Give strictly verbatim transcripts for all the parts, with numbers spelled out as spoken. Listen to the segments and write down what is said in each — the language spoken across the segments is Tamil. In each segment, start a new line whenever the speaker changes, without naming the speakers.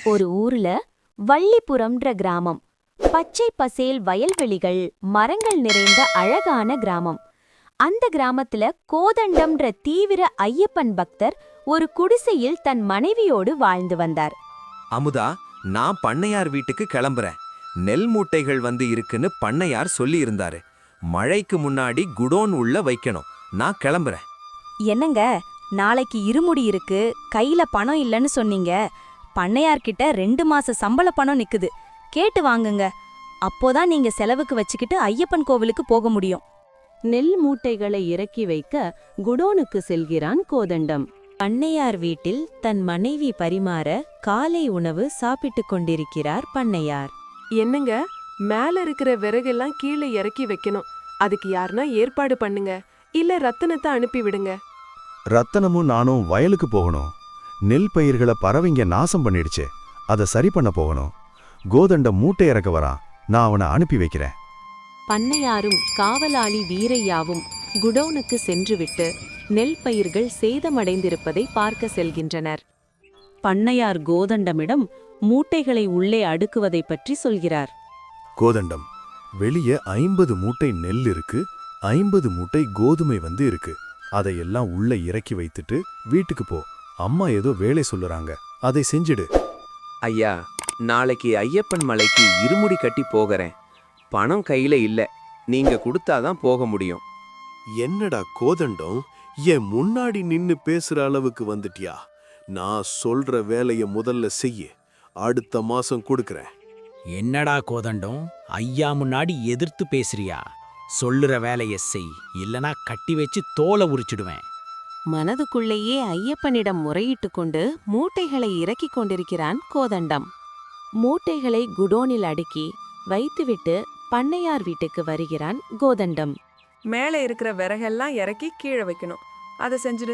ஒரு ஊர்ல வள்ளிபுரம்ன்ற கிராமம். பச்சை பசேல் வயல்வெளிகள், மரங்கள் நிறைந்த அழகான கிராமம். அந்த கிராமத்துல கோதண்டம்ன்ற தீவிர ஐயப்பன் பக்தர் ஒரு குடிசையில் தன் மனைவியோடு வாழ்ந்து வந்தார்.
அமுதா, நான் பண்ணையார் வீட்டுக்கு கிளம்புறேன். நெல் மூட்டைகள் வந்து இருக்குன்னு பண்ணையார் சொல்லி இருந்தாரு. மழைக்கு முன்னாடி குடோன் உள்ள வைக்கணும். நான் கிளம்புறேன்.
என்னங்க, நாளைக்கு இருமுடி இருக்கு, கையில பணம் இல்லைன்னு சொன்னீங்க. பண்ணையார்கிட்ட ரெண்டு மாச சம்பள பணம் நிக்குது, கேட்டு வாங்குங்க. அப்போதான் நீங்க செலவுக்கு வச்சுக்கிட்டு ஐயப்பன் கோவிலுக்கு போக முடியும்.
நெல் மூட்டைகளை இறக்கி வைக்க குடோனுக்கு செல்கிறான் கோதண்டம்.
பண்ணையார் வீட்டில் தன் மனைவி பரிமாற காலை உணவு சாப்பிட்டுக் கொண்டிருக்கிறார் பண்ணையார்.
என்னங்க, மேல இருக்கிற விறகெல்லாம் கீழே இறக்கி வைக்கணும். அதுக்கு யாருன்னா ஏற்பாடு பண்ணுங்க, இல்ல ரத்தனத்தை அனுப்பி விடுங்க.
ரத்தனமும் நானும் வயலுக்கு போகணும். நெல் பயிர்களை பறவைங்க நாசம் பண்ணிடுச்சு, அதை சரி பண்ண போகணும். கோதண்டம் மூட்டை இறக்க வரான், நான் அவனை அனுப்பி வைக்கிறேன்.
பண்ணையாரும் காவலாளி வீரையாவும் குடோனுக்கு சென்றுவிட்டு நெல் பயிர்கள் சேதமடைந்திருப்பதை பார்க்க செல்கின்றனர். பண்ணையார் கோதண்டமிடம் மூட்டைகளை உள்ளே அடுக்குவதை பற்றி சொல்கிறார்.
கோதண்டம், வெளியே ஐம்பது மூட்டை நெல் இருக்கு, ஐம்பது மூட்டை கோதுமை வந்து இருக்கு. அதையெல்லாம் உள்ள இறக்கி வைத்துட்டு வீட்டுக்கு போ. அம்மா ஏதோ வேலை சொல்லுறாங்க, அதை செஞ்சிடு.
ஐயா, நாளைக்கு ஐயப்பன் மலைக்கு இருமுடி கட்டி போகிறேன். பணம் கையில இல்ல, நீங்க கொடுத்தாதான் போக முடியும்.
என்னடா கோதண்டம், என் முன்னாடி நின்னு பேசுற அளவுக்கு வந்துட்டியா? நான் சொல்ற வேலைய முதல்ல செய்ய, அடுத்த மாசம் கொடுக்கறேன்.
என்னடா கோதண்டம், ஐயா முன்னாடி எதிர்த்து பேசுறியா? சொல்லுற வேலைய செய், இல்லனா கட்டி வச்சு தோலை உரிச்சிடுவேன்.
மனதுக்குள்ளேயே ஐயப்பனிடம் முறையிட்டு கொண்டு மூட்டைகளை இறக்கிக் கொண்டிருக்கிறான் கோதண்டம். மூட்டைகளை குடோனில் அடுக்கி வைத்துவிட்டு பண்ணையார் வீட்டுக்கு வருகிறான் கோதண்டம்.
மேலே இருக்கிற விறகெல்லாம் இறக்கி கீழே வைக்கணும், அதை செஞ்சுடு.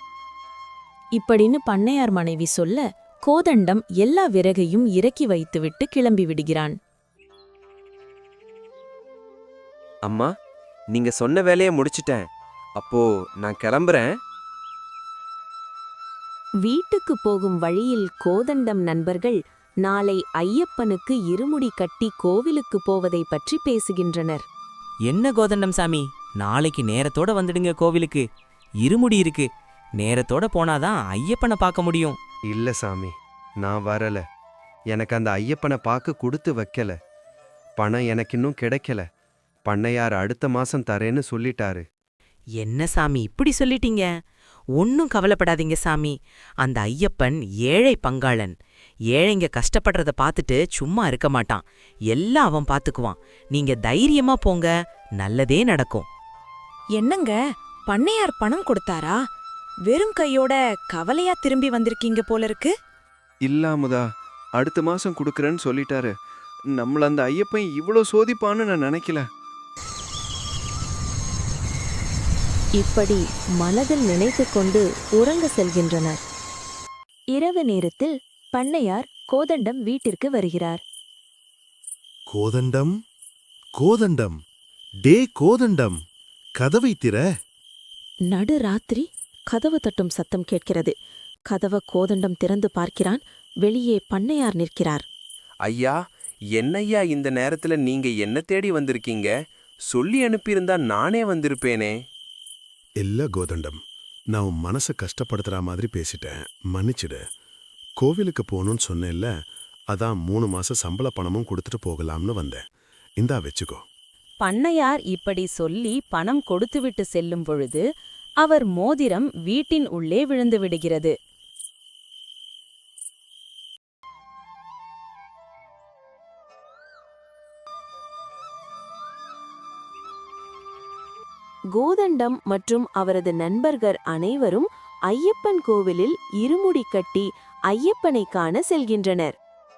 இப்படின்னு பண்ணையார் மனைவி சொல்ல, கோதண்டம் எல்லா விறகையும் இறக்கி வைத்துவிட்டு கிளம்பி விடுகிறான்.
அம்மா, நீங்க சொன்ன வேலையை முடிச்சிட்டேன். அப்போ நான் கிளம்புறேன்.
வீட்டுக்கு போகும் வழியில் கோதண்டம் நண்பர்கள் நாளை ஐயப்பனுக்கு இருமுடி கட்டி கோவிலுக்கு போவதை பற்றி பேசுகின்றனர்.
என்ன கோதண்டம் சாமி, நாளைக்கு நேரத்தோட வந்துடுங்க கோவிலுக்கு. இருமுடி இருக்கு, நேரத்தோட போனாதான் ஐயப்பனை பார்க்க முடியும்.
இல்ல சாமி, நான் வரல. எனக்கு அந்த ஐயப்பனை பார்க்க கொடுத்து வைக்கல. பணம் எனக்கு இன்னும் கிடைக்கல. பண்ணையார் அடுத்த மாசம் தரேன்னு சொல்லிட்டாரு.
என்ன சாமி இப்படி சொல்லிட்டீங்க? ஒன்னும் கவலைப்படாதீங்க சாமி. அந்த ஐயப்பன் ஏழை பங்காளன். ஏழைங்க கஷ்டப்படுறத பார்த்துட்டு சும்மா இருக்க மாட்டான். எல்லாம் அவன் பார்த்துக்குவான். நீங்க தைரியமா போங்க, நல்லதே நடக்கும்.
என்னங்க, பண்ணையார் பணம் கொடுத்தாரா? வெறும் கையோட கவலையா திரும்பி வந்திருக்கீங்க போல இருக்கு.
இல்லாமுதா, அடுத்த மாசம் கொடுக்கறேன்னு சொல்லிட்டாரு. நம்மள அந்த ஐயப்பன் இவ்வளோ சோதிப்பான்னு நான் நினைக்கல.
இப்படி மனதில் நினைத்து கொண்டு உறங்க செல்கின்றனர்.
இரவு நேரத்தில் பண்ணையார் கோதண்டம் வீட்டிற்கு வருகிறார்.
கோதண்டம், கோதண்டம், டே கோதண்டம், கதவை திற.
நடு ராத்திரி கதவு தட்டும் சத்தம் கேட்கிறது. கதவ கோதண்டம் திறந்து பார்க்கிறான். வெளியே பண்ணையார் நிற்கிறார்.
ஐயா, என்னையா இந்த நேரத்துல நீங்க என்ன தேடி வந்திருக்கீங்க? சொல்லி அனுப்பியிருந்தா நானே வந்திருப்பேனே.
இல்ல கோதண்டம், நான் உன் மனசை கஷ்டப்படுத்துற மாதிரி பேசிட்டேன், மன்னிச்சிடு. கோவிலுக்கு போகணும்னு சொன்னேன்ல, அதான் மூணு மாசம் சம்பள பணமும் கொடுத்துட்டு போகலாம்னு வந்தேன். இந்தா வச்சுக்கோ.
பண்ணையார் இப்படி சொல்லி பணம் கொடுத்துவிட்டு செல்லும் பொழுது அவர் மோதிரம் வீட்டின் உள்ளே விழுந்து விடுகிறது. கோதண்டம் மற்றும் அவரது நண்பர்கள் அனைவரும் ஐயப்பன் கோவிலில் இருமுடி கட்டி ஐயப்பனை காண செல்கின்றனர்.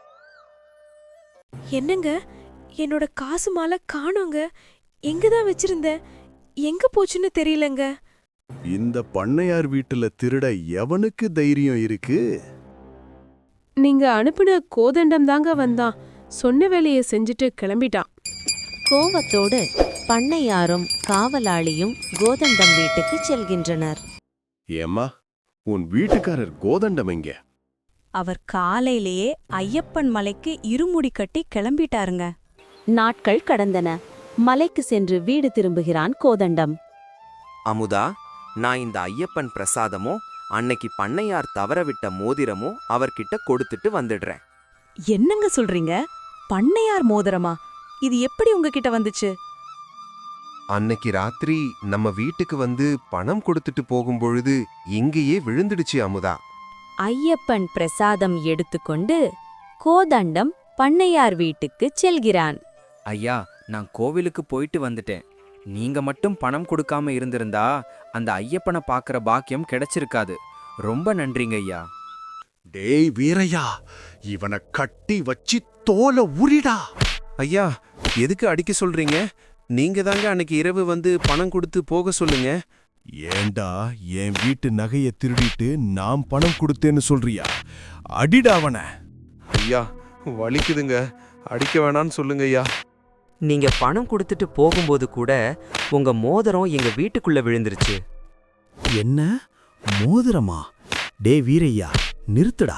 என்னங்க, என்னோட காசு மாலை காணோங்க. எங்கதான் வச்சிருந்தேன், எங்க போச்சுன்னு தெரியலங்க.
இந்த பண்ணையார் வீட்டுல திருட எவனுக்கு தைரியம் இருக்கு?
நீங்க அனுப்பின கோதண்டம் தாங்க வந்தான். சொன்ன வேலையை செஞ்சுட்டு கிளம்பிட்டான்.
கோவத்தோடு பண்ணையாரும் காவலாளியும் கோதண்டம் வீட்டுக்கு செல்கின்றனர்.
ஏம்மா, உன் வீட்டுக்காரர் கோதண்டம் எங்க?
அவர் காலையிலேயே ஐயப்பன் மலைக்கு இருமுடி கட்டி கிளம்பிட்டாருங்க.
நாட்கள் கடந்தன. மலைக்கு சென்று வீடு திரும்புகிறான் கோதண்டம்.
அமுதா, நான் இந்த ஐயப்பன் பிரசாதமோ அன்னைக்கு பண்ணையார் தவறவிட்ட மோதிரமோ அவர்கிட்ட கொடுத்துட்டு வந்துடுறேன்.
என்னங்க சொல்றீங்க? பண்ணையார் மோதிரமா? இது எப்படி உங்ககிட்ட வந்துச்சு?
அன்னைக்கு ராத்திரி நம்ம வீட்டுக்கு வந்து பணம் கொடுத்துட்டு போகும்பொழுது இங்கேயே விழுந்துடுச்சு அமுதா.
ஐயப்பன் பிரசாதம் எடுத்துக்கொண்டு கோதண்டம் பண்ணையார் வீட்டுக்குச் செல்கிறான்.
ஐயா, நான் கோவிலுக்கு போயிட்டு வந்துட்டேன். நீங்க மட்டும் பணம் கொடுக்காம இருந்திருந்தா அந்த ஐயப்பனை பார்க்கற பாக்கியம் கிடைச்சிருக்காது. ரொம்ப நன்றிங்க ஐயா.
டேய் வீரையா, இவனை கட்டி வச்சு தோலை உரிடா.
ஐயா, எதுக்கு அடிக்க சொல்றீங்க? நீங்க தாங்க அன்னைக்கு இரவு வந்து பணம் கொடுத்து போக சொல்லுங்க.
ஏண்டா என் வீட்டு நகையை திருடிட்டு நான் பணம் கொடுத்தேன்னு சொல்றியா? அடிடா அவன.
ஐயா, வலிக்குதுங்க, அடிக்க வேணான்னு சொல்லுங்க ஐயா.
நீங்க பணம் கொடுத்துட்டு போகும்போது கூட உங்க மோதிரம் எங்க வீட்டுக்குள்ள விழுந்துருச்சு.
என்ன மோதிரமா? டே வீரையா, நிறுத்துடா.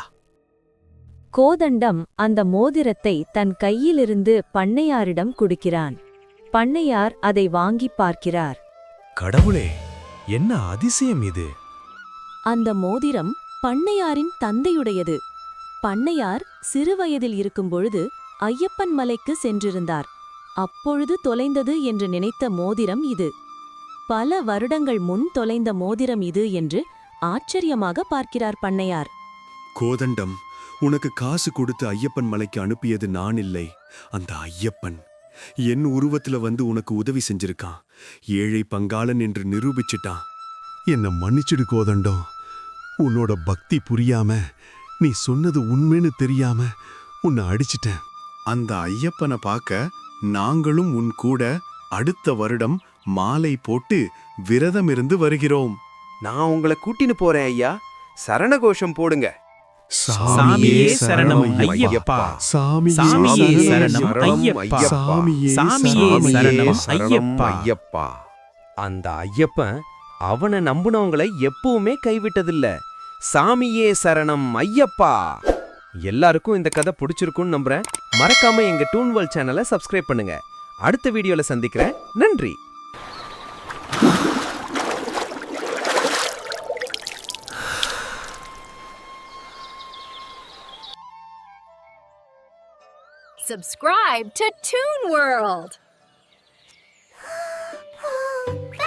கோதண்டம் அந்த மோதிரத்தை தன் கையிலிருந்து பண்ணையாரிடம் கொடுக்கிறான். பண்ணையார் அதை வாங்கி பார்க்கிறார்.
கடவுளே, என்ன அதிசயம் இது!
அந்த மோதிரம் பண்ணையாரின் தந்தையுடையது. பண்ணையார் சிறுவயதில் இருக்கும்பொழுது ஐயப்பன் மலைக்கு சென்றிருந்தார். அப்பொழுது தொலைந்தது என்று நினைத்த மோதிரம் இது. பல வருடங்கள் முன் தொலைந்த மோதிரம் இது என்று ஆச்சரியமாக பார்க்கிறார் பண்ணையார்.
கோதண்டம், உனக்கு காசு கொடுத்து ஐயப்பன் மலைக்கு அனுப்பியது நான் இல்லை, அந்த ஐயப்பன் என் உருவத்துல வந்து உனக்கு உதவி செஞ்சிருக்கான். ஏழை பங்காளன் என்று நிரூபிச்சிட்டான். என்ன மன்னிச்சிடு கோதண்டம். உன்னோட பக்தி புரியாம, நீ சொன்னது உண்மைன்னு தெரியாம உன்னை அடிச்சிட்டேன். அந்த ஐயப்பனை பார்க்க நாங்களும் உன் கூட அடுத்த வருடம் மாலை போட்டு விரதம் இருந்து வருகிறோம்.
நான் உங்களை கூட்டின்னு போறேன் ஐயா. சரணகோஷம் போடுங்க.
சாமியே சரணம் ஐயப்பா. சாமியே சரணம் ஐயப்பா. சாமியே சரணம் ஐயப்பா.
ஐயப்பா. அந்த ஐயப்பன் அவனை நம்புனவங்களை எப்பவுமே கைவிட்டதில்ல. சாமியே சரணம் ஐயப்பா. எல்லாருக்கும் இந்த கதை பிடிச்சிருக்கும்னு நம்புறேன். மறக்காம எங்க டூன்வர்ல்ட் சேனலை சப்ஸ்கிரைப் பண்ணுங்க. அடுத்த வீடியோல சந்திக்கிறேன். நன்றி.
Subscribe to Toon World.